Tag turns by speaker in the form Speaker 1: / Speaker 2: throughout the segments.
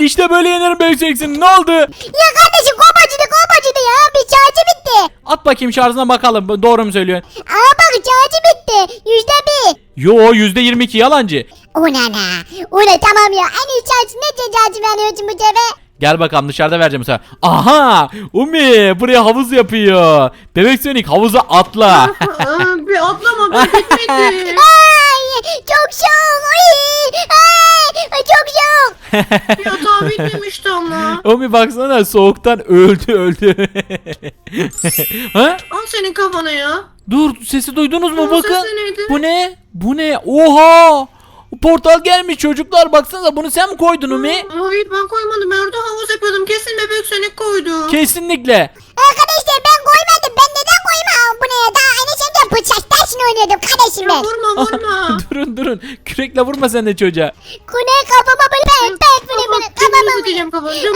Speaker 1: işte böyle yenerim Bebeksin. Ne oldu?
Speaker 2: Ya kardeşim kopacıdı ya. Bir şarjı bitti.
Speaker 1: At bakayım şarjına bakalım. Doğru mu söylüyorsun?
Speaker 2: Aa bak şarjı bitti. %1.
Speaker 1: Yo %22 yalancı.
Speaker 2: Una. Una tamam ya. En iyi şarjı ne şarjı veriyorsun bu sefer?
Speaker 1: Gel bakalım dışarıda vereceğim bu sefer. Aha! Umi buraya havuz yapıyor. Bebek Sonic havuza atla.
Speaker 3: Bir atlama ben bitmedi.
Speaker 2: Ay çok soğuk. Ay çok soğuk.
Speaker 3: Yatağı bitmemişti ama.
Speaker 1: Umi baksana soğuktan öldü. Ha?
Speaker 3: Al senin kafana ya.
Speaker 1: Dur sesi duydunuz mu
Speaker 3: Aa,
Speaker 1: bakın.
Speaker 3: sesi neydi?
Speaker 1: Bu ne? Bu ne? Oha! Portal gelmiş çocuklar baksanıza bunu sen mi koydun Umi?
Speaker 3: Hayır ben koymadım. Ben orada havuz yapıyordum. Kesin bebek seni koydu.
Speaker 1: Kesinlikle.
Speaker 2: Arkadaşlar ben koymadım. Ben neden koymam bu ne? Daha anneşemden bıçak taşını oynuyordum kardeşim
Speaker 3: Ya
Speaker 2: ben.
Speaker 3: vurma.
Speaker 1: durun. Kürekle vurma sen de çocuğa.
Speaker 2: Kune kafama böyle pek böyle kafama
Speaker 3: Dümdüz diyeceğim kafanı. Dümdüz.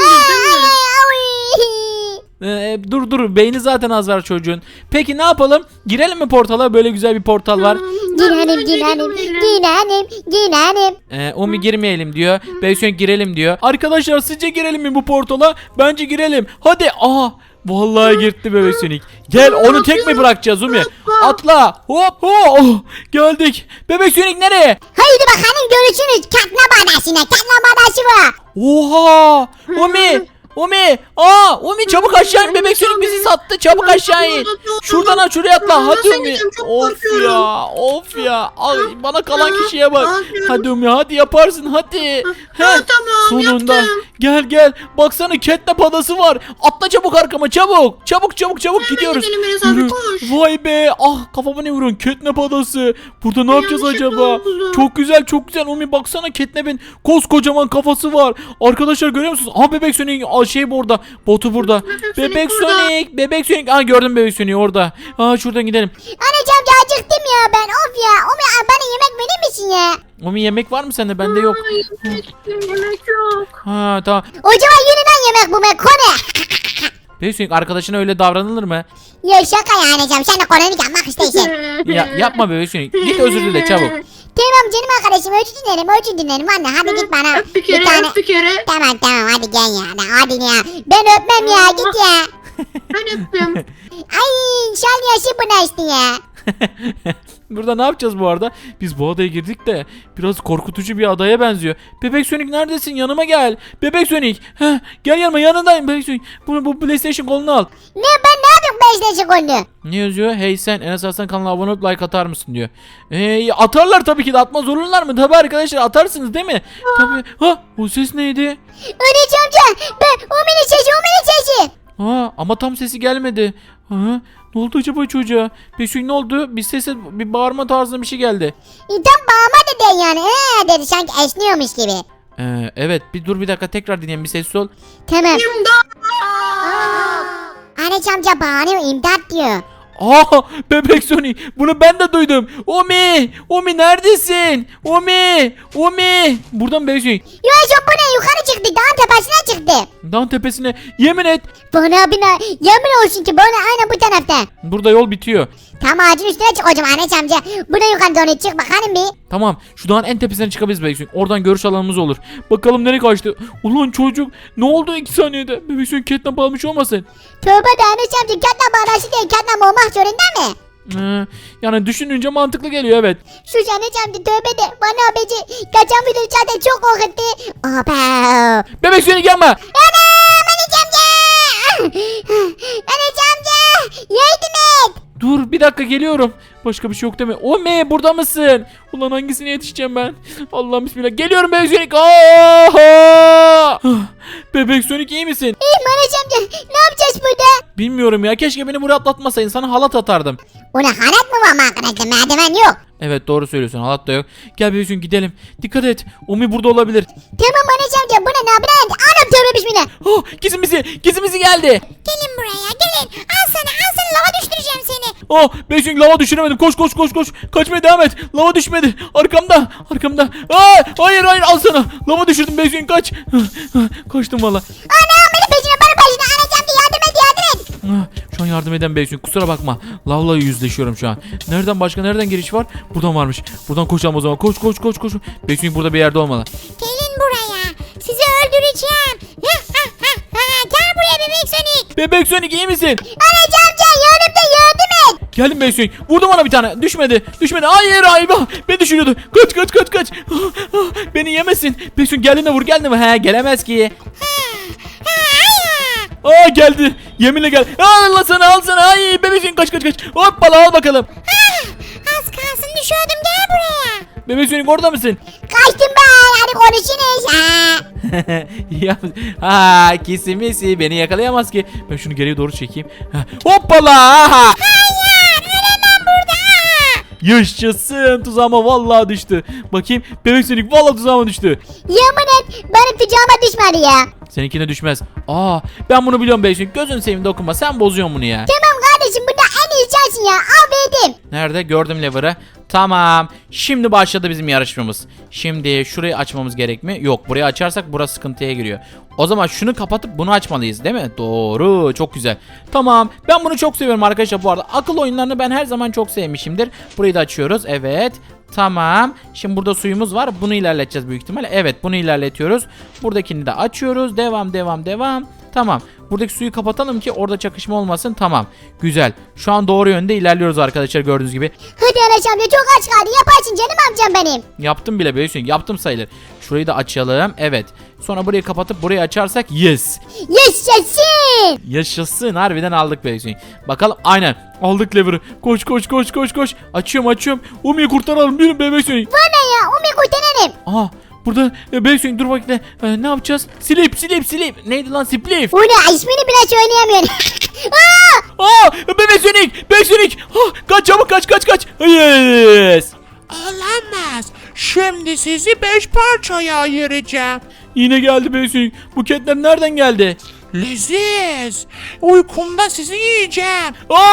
Speaker 1: Dur beyni zaten az var çocuğun. Peki ne yapalım? Girelim mi portala? Böyle güzel bir portal var.
Speaker 2: Girelim.
Speaker 1: Umi girmeyelim diyor. Beysun girelim diyor. Arkadaşlar sizce girelim mi bu portala? Bence girelim. Hadi. Aha. Vallahi girdi Bebek Sonic. Gel onu tek mi bırakacağız Umi? Atla. Hop. Oh. Geldik. Bebek Sonic nereye?
Speaker 2: Haydi bakalım görüşürüz. Katna badasına. Katna badası var.
Speaker 1: Oha. Umi çabuk aşağı in. Bebek Sonic bizi sattı. Çabuk aşağı in. Şuradan şuraya atla. Hadi Umi. Of ya. Ay, bana kalan kişiye bak. Hadi Umi hadi yaparsın hadi.
Speaker 3: Tamam
Speaker 1: Sonunda.
Speaker 3: yaptım.
Speaker 1: Gel. Baksana catnap adası var. Atla çabuk arkama çabuk. Çabuk gidiyoruz.
Speaker 3: gidelim Enes abi,
Speaker 1: Yürü.
Speaker 3: koş.
Speaker 1: Vay be. Ah kafama ne vuruyorsun? Catnap adası. Burada ne yapacağız
Speaker 3: yanlışlıkla
Speaker 1: acaba?
Speaker 3: oldu.
Speaker 1: Çok güzel. Umi baksana catnap'in koskocaman kafası var. Arkadaşlar görüyor musunuz? Ah Bebek Sonic şey burada. Botu burada.
Speaker 3: Bebek Sonic burada.
Speaker 1: Bebek Sonic. Ah gördüm Bebek Sonic'i orada. Şuradan gidelim.
Speaker 2: Anacığım acıktım ya ben. Of ya. Bana yemek verir misin ya?
Speaker 1: Umi yemek var mı sende? Bende yok.
Speaker 3: Yemek yok.
Speaker 1: Ha tamam.
Speaker 2: O zaman yeniden yemek bu be. Kone.
Speaker 1: Bebek Sonic arkadaşına öyle davranılır mı?
Speaker 2: Ya şaka ya anacığım. Sen de koneni yapmak istiyorsun.
Speaker 1: Yapma Bebek Sonic. Git özür dile çabuk.
Speaker 2: Tamam canım arkadaşım. Özür dilerim. Anne hadi git bana.
Speaker 3: Öp bir kere.
Speaker 2: Tamam hadi gel ya. Hadi ya. Ben öpmem ya. Git ya.
Speaker 3: Ben öptüm.
Speaker 2: Ay şal yaşı bu işte ya.
Speaker 1: Burada ne yapacağız bu arada? Biz bu adaya girdik de biraz korkutucu bir adaya benziyor. Bebek Sonic neredesin? Yanıma gel. Bebek Sonic. Gel yanındayım Bebek Sonic. Bu PlayStation kolunu al.
Speaker 2: Ne ben ne yapayım 5 sekundu?
Speaker 1: Ne yazıyor? Hey sen Enes Arslan kanalına abone olup like atar mısın diyor. Atarlar tabii ki de, atmaz olurlar mı? Tabii arkadaşlar atarsınız değil mi? Tabii. O ses neydi?
Speaker 2: Öyle amca. O mini sesi.
Speaker 1: Ama tam sesi gelmedi. Ne oldu acaba çocuğa? Bebek ne oldu? Bir sese bir bağırma tarzında bir şey geldi.
Speaker 2: Tam bağırma dedi yani. Dedi sanki esniyormuş gibi.
Speaker 1: Evet bir dakika tekrar dinleyelim, bir sessiz ol.
Speaker 2: Tamam.
Speaker 3: İmdat.
Speaker 2: Anne amca bağırıyor imdat diyor.
Speaker 1: Bebek Sonic bunu ben de duydum. Umi neredesin? Umi buradan Bebek Sonic.
Speaker 2: Yok bu ne yukarı çıktı dağın tepesine çıktı.
Speaker 1: Dağın tepesine yemin et.
Speaker 2: Bana yemin olsun ki bana aynen bu tarafta.
Speaker 1: Burada yol bitiyor.
Speaker 2: Tam ağacın üstüne çık hocam anne amca. Buna yukarı doğru çık bakalım bir.
Speaker 1: Tamam şu dağın en tepesine çıkabiliriz Bebek Sonic. Oradan görüş alanımız olur. Bakalım nereye kaçtı. Ulan çocuk ne oldu 2 saniyede? Bebek Sonic catnap almış olmasın?
Speaker 2: Tövbe de anne amca katla bağlaşı değil katla olmak zorunda mı?
Speaker 1: Yani düşününce mantıklı geliyor evet.
Speaker 2: Şu anne amca tövbe de bana beci kaçan video zaten çok korkuttu. Opa.
Speaker 1: Bebek Sonic yapma.
Speaker 2: Anam anne amca. Anne amca yardım et.
Speaker 1: Dur bir dakika geliyorum. Başka bir şey yok değil mi? Umi burada mısın? Ulan hangisine yetişeceğim ben? Allah'ım bismillah. Geliyorum Bebek Sonic. Bebek Sonic iyi misin?
Speaker 2: İyiyim anne amca. Ne yapacağız burada?
Speaker 1: Bilmiyorum ya. Keşke beni buraya atlatmasaydın. Sana halat atardım.
Speaker 2: Ona halat mı var mı arkadaşlar? Merdiven yok.
Speaker 1: Evet doğru söylüyorsun. Halat da yok. Gel Bebek Sonic gidelim. Dikkat et. Umi burada olabilir.
Speaker 2: Tamam anne amca. Bu ne yapacağız? Anam tövbe bismillah.
Speaker 1: Gizimizi geldi.
Speaker 2: Gelin buraya gelin. Al sana lava düşüreceğim seni.
Speaker 1: Bebek Sonic lava düşüremedim. Koş. Kaçmaya devam et. Lava düşmedi. Arkamda. Hayır al sana. Lava düşürdüm Bebek Sonic kaç. Kaçtım valla.
Speaker 2: Anam beni peşine anne amca yardım et.
Speaker 1: Şu an yardım eden Bebek Sonic kusura bakma. Lavla yüzleşiyorum şu an. Nereden giriş var? Buradan varmış. Buradan koşalım o zaman. Koş. Bebek Sonic burada bir yerde olmalı.
Speaker 2: Gelin buraya. Sizi öldüreceğim. öleceğim. Gel buraya bebek Sonic.
Speaker 1: Bebek Sonic iyi misin?
Speaker 2: Anaç amca yardım et.
Speaker 1: Geldim Bebek Sonic. Vurdum ona bir tane. Düşmedi. Hayır ayba. Beni düşürüyordu. Kaç. Beni yemesin. Bebek Sonic geldiğinde vur He gelemez ki. Aa geldi. Yeminle gel. Allah sana al sana. Ay Bebek Sonic kaç. Hoppala al bakalım.
Speaker 2: Az kalsın düşüyordum, gel buraya.
Speaker 1: Bebek Sonic orada mısın?
Speaker 2: Kaçtım ben, hadi konuşunuz.
Speaker 1: Ya kesimisi beni yakalayamaz ki. Ben şunu geriye doğru çekeyim. Hoppala.
Speaker 2: Hayır, ölemem burada.
Speaker 1: Yaşasın, tuzağıma vallahi düştü. Bakayım Bebek Sonic vallahi tuzağıma düştü.
Speaker 2: Yemin et benim tuzağıma düşmedi ya.
Speaker 1: Seninkine düşmez. Ben bunu biliyorum Bebek Sonic. Gözün seveyim dokunma. Sen bozuyorsun bunu ya.
Speaker 2: Tamam kardeşim, bunda en iyi sensin ya, al verdim.
Speaker 1: Nerede? Gördüm lever'ı. Tamam. Şimdi başladı bizim yarışmamız. Şimdi şurayı açmamız gerek mi? Yok. Burayı açarsak burası sıkıntıya giriyor. O zaman şunu kapatıp bunu açmalıyız değil mi? Doğru. Çok güzel. Tamam. Ben bunu çok seviyorum arkadaşlar bu arada. Akıl oyunlarını ben her zaman çok sevmişimdir. Burayı da açıyoruz. Evet. Tamam. Şimdi burada suyumuz var. Bunu ilerleteceğiz büyük ihtimalle. Evet, bunu ilerletiyoruz. Buradakini de açıyoruz. Devam. Tamam. Buradaki suyu kapatalım ki orada çakışma olmasın. Tamam. Güzel. Şu an doğru yönde ilerliyoruz arkadaşlar, gördüğünüz gibi.
Speaker 2: Hadi Anaç amca, çok aç kaldı, yaparsın canım amcam benim.
Speaker 1: Yaptım bile böyle şey. Yaptım sayılır. Şurayı da açalım. Evet. Sonra burayı kapatıp burayı açarsak yes.
Speaker 2: Yaşasın.
Speaker 1: Yaşasın. Harbiden aldık böyle şey. Bakalım. Aynen. Aldık lever'ı. Koş. Açıyorum. Umi'yi kurtaralım. Yürü bebek Sonic.
Speaker 2: Bana ya, Umi kurtarırım.
Speaker 1: Aha. Burada bebek Sonic dur bakayım. Ne yapacağız? Sleep. Neydi lan sleep?
Speaker 2: O ne, ismini bile söyleyemiyorum.
Speaker 1: Bebek Sonic. Kaç çabuk kaç. Yes.
Speaker 4: Olamaz. Şimdi sizi 5 parçaya ayıracağım.
Speaker 1: Yine geldi bebek Sonic. Bu catnap nereden geldi?
Speaker 4: Leziz. Uykumda sizi yiyeceğim.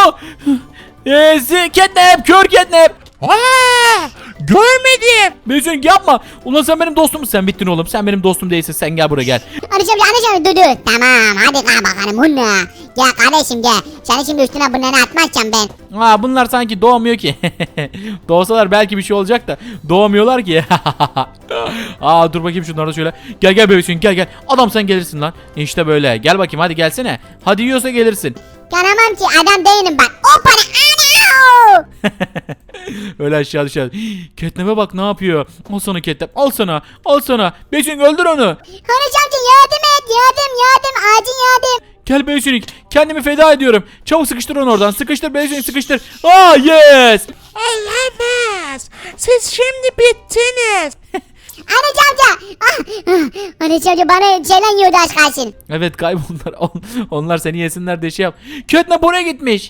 Speaker 1: Catnap. Kör catnap.
Speaker 4: Görmedim.
Speaker 1: Bebek Sonic yapma. Ulan sen benim dostum. Sen bittin oğlum. Sen benim dostum değilsin. Sen gel buraya gel.
Speaker 2: Anaç amca dur. Tamam, hadi kal bakalım bunu. Gel kardeşim gel. Seni şimdi üstüne bunları atmazsam ben.
Speaker 1: Bunlar sanki doğmuyor ki. Doğsalar belki bir şey olacak da doğmuyorlar ki. Dur bakayım şunları da şöyle. Gel bebek Sonic gel. Adam sen gelirsin lan. İşte böyle. Gel bakayım hadi gelsene. Hadi yiyorsa gelirsin.
Speaker 2: Gelemem ki, adam değilim ben. O para ana.
Speaker 1: Öyle aşağı düşer. Catnap'e bak ne yapıyor. Al sana Catnap. Al sana. Bebek Sonic öldür onu.
Speaker 2: Anaç amca yardım et, yardım. Acil yardım.
Speaker 1: Gel bebek Sonic. Kendimi feda ediyorum. Çabuk sıkıştır onu oradan. Sıkıştır bebek Sonic sıkıştır. Yes.
Speaker 4: Olamaz. Siz şimdi bittiniz.
Speaker 2: Anaç amca. Anaç amca bana şeyler yiyordu, aç kalsın.
Speaker 1: Evet kayboldular. Onlar seni yesinler diye şey yap. Catnap oraya gitmiş.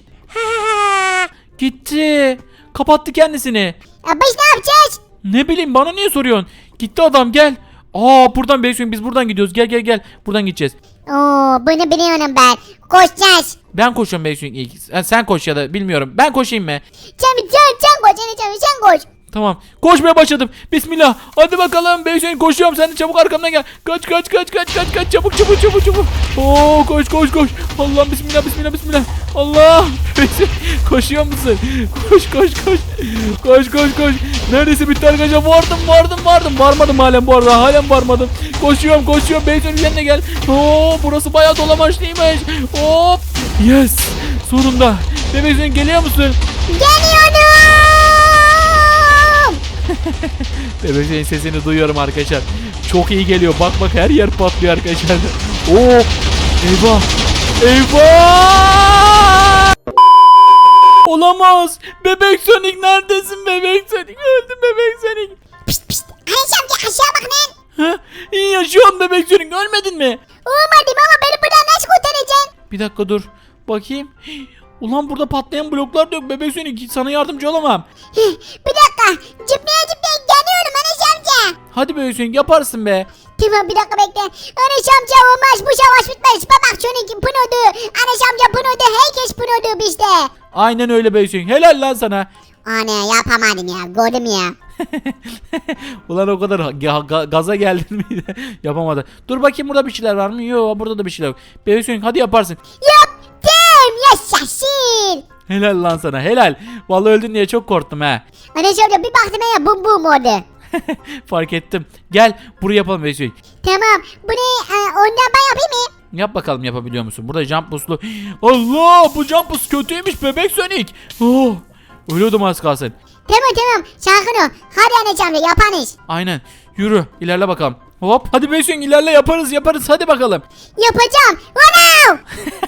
Speaker 1: Gitti. Kapattı kendisini.
Speaker 2: Biz ne yapacağız?
Speaker 1: Ne bileyim, bana niye soruyorsun? Gitti adam, gel. Buradan Bebek Sonic, biz buradan gidiyoruz. Gel. Buradan gideceğiz.
Speaker 2: Bunu biliyorum ben. Koşacağız.
Speaker 1: Ben koşuyorum Bebek Sonic ilk. Sen koş ya da bilmiyorum. Ben koşayım mı?
Speaker 2: Sen koş Anaç amca, sen koş.
Speaker 1: Tamam. Koşmaya başladım. Bismillah. Hadi bakalım. Bebek Sonic koşuyorum. Sen de çabuk arkamdan gel. Kaç. Çabuk. Koş. Allah bismillah. Allah. Bebek Sonic, koşuyor musun? Koş. Neredeyse bitti arkadaşlar. Vardım. Varmadım halen bu arada. Varmadım. Koşuyorum. Bebek Sonic yanına gel. Burası bayağı dolamaçlıymış. Hop. Yes. Sonunda. Bebek Sonic geliyor musun?
Speaker 2: Geliyorum.
Speaker 1: Bebek Sonic sesini duyuyorum arkadaşlar. Çok iyi geliyor. Bak her yer patlıyor arkadaşlar. Eyvah! Olamaz. Bebek Sonic neredesin Bebek Sonic? Öldüm Bebek Sonic.
Speaker 2: Pişt. Anaç amca aşağı bak lan.
Speaker 1: İyi yaşıyorsun Bebek Sonic. Ölmedin mi?
Speaker 2: Olmadım ama beni buradan nasıl kurtaracaksın?
Speaker 1: Bir dakika dur. Bakayım. Ulan burada patlayan bloklar da yok Bebek Sonic. Sana yardımcı olamam.
Speaker 2: Bir dakika. Zıplaya geliyorum Anaç amca.
Speaker 1: Hadi Bebek Sonic, yaparsın be.
Speaker 2: Tamam, bir dakika bekle. Anaç amca olmaz, bu savaş bitmez. Bak Sonic pınodu. Anaç amca pınodu. Herkes pınodu bizde.
Speaker 1: Aynen öyle Bebek Sonic. Helal lan sana.
Speaker 2: Ana yapamadım ya. Gördüm ya.
Speaker 1: Ulan o kadar gaza geldin mi? Yapamadı. Dur bakayım, burada bir şeyler var mı? Yok, burada da bir şeyler yok. Bebek Sonic hadi yaparsın.
Speaker 2: Yaptım. Yaşasın.
Speaker 1: Helal lan sana, helal. Vallahi öldün diye çok korktum ha.
Speaker 2: Anaç amca bir baktım ya, bum oldu.
Speaker 1: Fark ettim. Gel buraya yapalım Bebek Sonic.
Speaker 2: Tamam. Bu ne? ondan ben yapayım mı?
Speaker 1: Yap bakalım yapabiliyor musun? Burada jump boost'lu. Allah bu jump boost kötüymüş bebek Sonic. Oh, ölüyordum az kalsın.
Speaker 2: Tamam sakin ol. Hadi Enes amca yaparız.
Speaker 1: Aynen. Yürü ilerle bakalım. Hop hadi bebek Sonic ilerle yaparız hadi bakalım.
Speaker 2: Yapacağım. Wow.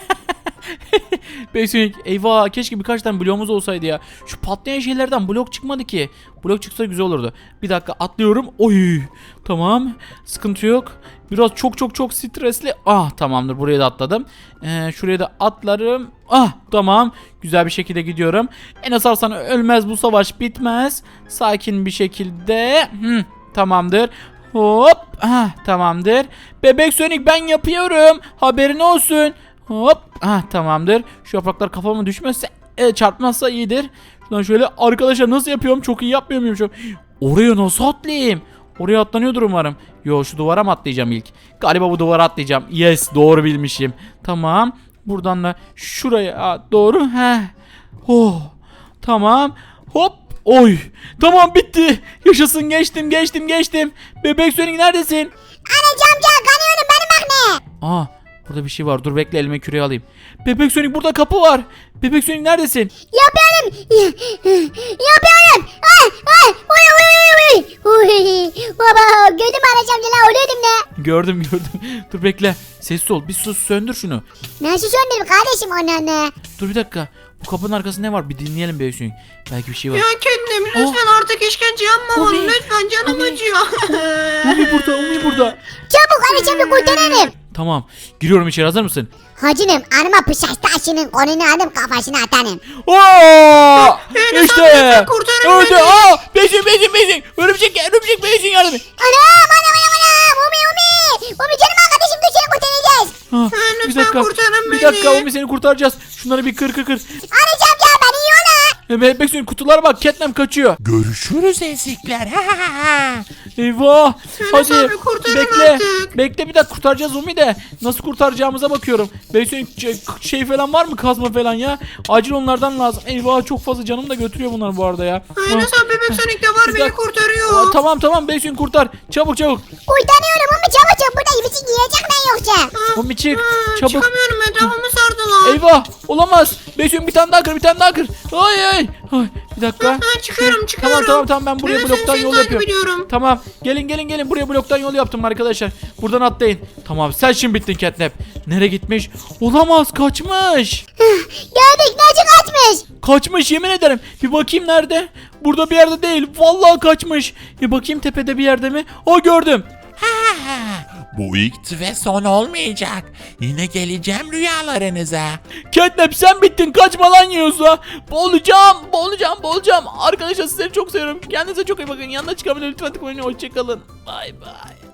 Speaker 1: Bebek Sonic eyvah keşke birkaç tane bloğumuz olsaydı ya. Şu patlayan şeylerden blok çıkmadı ki. Blok çıksa güzel olurdu. Bir dakika atlıyorum. Oy. Tamam. Sıkıntı yok. Biraz çok stresli. Ah tamamdır buraya da atladım. Şuraya da atlarım. Ah tamam. Güzel bir şekilde gidiyorum. Enes Arslan ölmez bu savaş bitmez. Sakin bir şekilde. Tamamdır. Hop. Ah tamamdır. Bebek Sonic ben yapıyorum. Haberin olsun. Hop. Ah tamamdır. Şu yapraklar kafama düşmezse çarpmazsa iyidir. Şuradan şöyle arkadaşlar nasıl yapıyorum? Çok iyi yapmıyor muyum şu? Oraya nasıl atlayayım? Oraya atlanıyordur umarım. Yo şu duvara mı atlayacağım ilk? Galiba bu duvara atlayacağım. Yes doğru bilmişim. Tamam. Buradan da şuraya doğru. Heh. Oh. Tamam. Hop. Oy. Tamam bitti. Yaşasın geçtim. Bebek Sonic neredesin?
Speaker 2: Enes amca kanıyorum benim bak ne?
Speaker 1: Aa burada bir şey var. Dur bekle elime küreği alayım. Bebek Sonic burada kapı var. Bebek Sonic neredesin?
Speaker 2: Yapıyorum. Yapıyorum. Uy. Baba gördün mü Enes amca lan ölüyordum ne?
Speaker 1: Gördüm. Dur bekle. Sessiz ol. Bir sus söndür şunu.
Speaker 2: Nasıl söndürüm kardeşim onu ne?
Speaker 1: Dur bir dakika. Bu kapının arkasında ne var? Bir dinleyelim Bebek Sonic. Belki bir şey var.
Speaker 3: Ya kendim lütfen artık işkence yapma bana.
Speaker 1: Umi.
Speaker 3: Lütfen canım
Speaker 1: Umi.
Speaker 3: acıyor.
Speaker 1: Umi burada.
Speaker 2: Çabuk Enes amca kurtaralım.
Speaker 1: Tamam. Giriyorum içeri hazır mısın?
Speaker 2: Hacınım anıma bıçak taşının konunu alıp kafasına atanım.
Speaker 1: Oo!
Speaker 3: Enes
Speaker 1: İşte.
Speaker 3: abi, lütfen kurtarın
Speaker 1: Öldü.
Speaker 3: beni.
Speaker 1: Aa! Bebek Örümcek Bebek Sonic yardım et.
Speaker 2: Anam. Umi canım arkadaşım dur seni kurtaracağız.
Speaker 1: Ah,
Speaker 3: Lütfen
Speaker 1: bir dakika.
Speaker 3: kurtarın
Speaker 1: Bir
Speaker 3: beni.
Speaker 1: dakika Umi seni kurtaracağız. Şunları bir kır.
Speaker 2: Enes amca beni yola.
Speaker 1: Bebek Sonic kutulara bak. Catnap kaçıyor.
Speaker 4: Görüşürüz ezikler.
Speaker 1: Eyvah.
Speaker 3: Enes
Speaker 1: Hadi
Speaker 3: abi, kurtarın
Speaker 1: bekle.
Speaker 3: artık.
Speaker 1: Bekle bir dakika kurtaracağız Umi de. Nasıl kurtaracağımıza bakıyorum. Bebek şey falan var mı kazma falan ya? Acil onlardan lazım. Eyvah çok fazla canım da götürüyor bunlar bu arada ya.
Speaker 3: Enes abi bebek Sonic de var
Speaker 1: Bir
Speaker 3: beni
Speaker 1: dakika.
Speaker 3: kurtarıyor.
Speaker 1: Tamam Bebek Sonic kurtar. Çabuk.
Speaker 2: Kurtarıyorum Umi çabuk burada bizi yiyecek ben yoksa.
Speaker 1: Umi çık. Çabuk.
Speaker 3: Çıkamıyorum etrafımı sardılar.
Speaker 1: Eyvah olamaz. Bebek Sonic bir tane daha kır. Ay. Bir dakika.
Speaker 3: Çıkıyorum.
Speaker 1: Tamam ben buraya
Speaker 3: Bebek
Speaker 1: bloktan
Speaker 3: Sonic'i
Speaker 1: yol
Speaker 3: takip
Speaker 1: yapıyorum.
Speaker 3: ediyorum.
Speaker 1: Tamam gelin buraya bloktan yol yaptım arkadaşlar. Buradan atlayın. Tamam sen şimdi bittin Catnap. Nereye gitmiş? Olamaz kaçmış.
Speaker 2: Gördük nasıl kaçmış.
Speaker 1: Kaçmış yemin ederim. Bir bakayım nerede? Burada bir yerde değil. Vallahi kaçmış. Bir bakayım tepede bir yerde mi? O gördüm.
Speaker 4: Bu ilk ve son olmayacak. Yine geleceğim rüyalarınıza.
Speaker 1: Catnap sen bittin. Kaçma lan yiyorsa. Boğulacağım. Arkadaşlar sizleri çok seviyorum. Kendinize çok iyi bakın. Yanına çıkabilir lütfen tıklayın. Hoşçakalın. Bay bay.